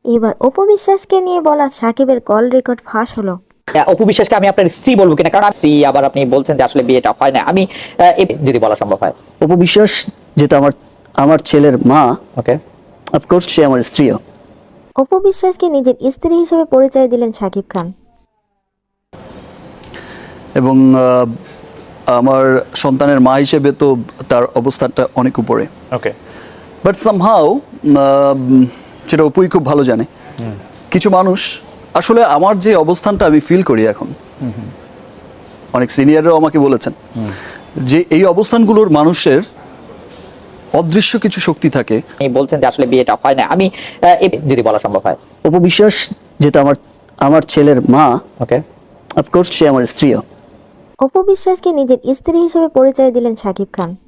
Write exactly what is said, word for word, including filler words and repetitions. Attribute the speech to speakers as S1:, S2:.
S1: এবার অপু বিশ্বাসকে নিয়ে বলা সাকিবের কল রেকর্ড ফাঁস হলো।
S2: অপু বিশ্বাসকে আমি আপনার স্ত্রী বলবো কিনা, কারণ স্ত্রী, আবার আপনি বলছেন যে আসলে বিয়েটা হয় না, আমি যদি বলা সম্ভব হয়।
S3: অপু বিশ্বাস যেহেতু আমার আমার ছেলের মা,
S2: ওকে,
S3: অফকোর্স সে আমার স্ত্রীও।
S1: অপু বিশ্বাসকে নিজের স্ত্রী হিসেবে পরিচয় দিলেন শাকিব খান।
S4: এবং আমার সন্তানের মা হিসেবে তো তার অবস্থানটা অনেক উপরে।
S2: ওকে,
S4: বাট সামহাউ সেটা অপুই খুব ভালো জানে। কিছু মানুষ আসলে আমার যে অবস্থানটা আমি ফিল করি এখন, অনেক সিনিয়ররাও আমাকে বলেছেন যে এই অবস্থানগুলোর মানুষের অদৃশ্য কিছু শক্তি থাকে।
S2: আপনি বলছেন যে আসলে বিয়েটা হয় না, আমি যদি বলা সম্ভব হয়।
S3: অপু বিশ্বাস যেহেতু আমার আমার ছেলের মা,
S2: ওকে,
S3: অফকোর্স সে আমার স্ত্রীও।
S1: অপু বিশ্বাসকে নিজের স্ত্রী হিসেবে পরিচয় দিলেন শাকিব খান।